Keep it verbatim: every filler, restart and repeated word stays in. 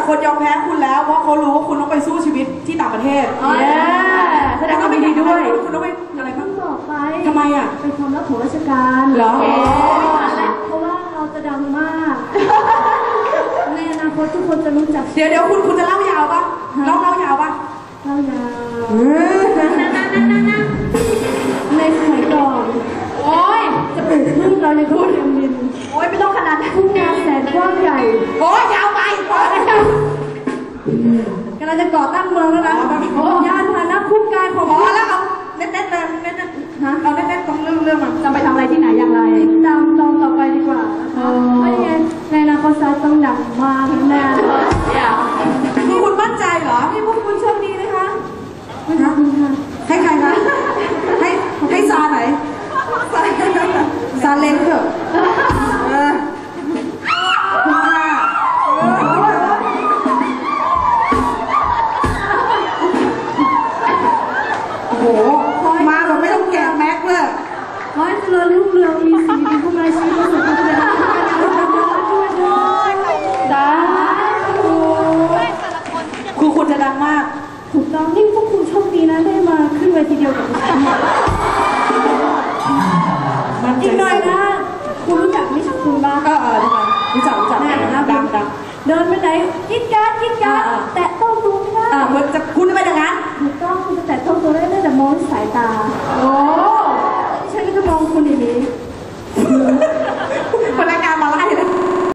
คนยอมแพ้คุณแล้วเพราะเขารู้ว่าคุณต้องไปสู้ชีวิตที่ต่างประเทศแสดงว่าไม่ดีด้วยคุณต้องไปอะไรบ้างบอกไปทำไมอ่ะเป็นความลับของราชการเหรอเพราะว่าเราจะดังมากในอนาคตทุกคนจะรู้จักเดี๋ยวเดี๋ยวคุณคุณจะเล่ายาวปะเล่าเล่ายาวปะเล่ายาวในสมัยก่อนโอ้ยจะปลูกพืชเราในทุ่งเรียมดินโอ้ยไม่ต้องขนาดทุ่งนาแสนกว้างใหญ่โอ้ยยาวไปพอแล้วกำลังจะก่อตั้งเมืองแล้วนะยานพาหนะคู่กายของพอแล้วเอาเน็ตเน็ตเลยเน็ตเน็ตฮะเอาเน็ตเน็ตตรงเรื่องเรื่องมันจะไปทำอะไรที่ไหนอย่างไรติดตามตอนต่อไปดีกว่านะคะไม่งั้นในอนาคตต้องดังมากแน่คือคุณมั่นใจเหรอให้พวกคุณโชคดีนะคะไม่คะให้ใครคะให้ให้ซาไหนซาเล้งเถอะโอ้โหมาแบบไม่ต้องแกะแม็กเลยขอให้เจริญรุ่งเรืองมีสิ่งดีเข้ามาในชีวิตประสบความสำเร็จด้วยด้วยสาธุคือคุณจะดังมากถูกต้องนี่พวกคุณโชคดีนะได้มาขึ้นเวทีเดียวกับฉันอีกหน่อยนะคุณรู้จักมิชคุณบ้างเออเออรู้จักรู้จักดังดังเดินไปไหนกินการกินการแตะต้องตัวไม่ได้อ่าคุณจะคุณจะไปอย่างนั้นถูกต้องคุณจะแตะต้องตัวได้แต่มองสายตาโอ้ฉันก็จะมองคุณอย่างนี้คนแร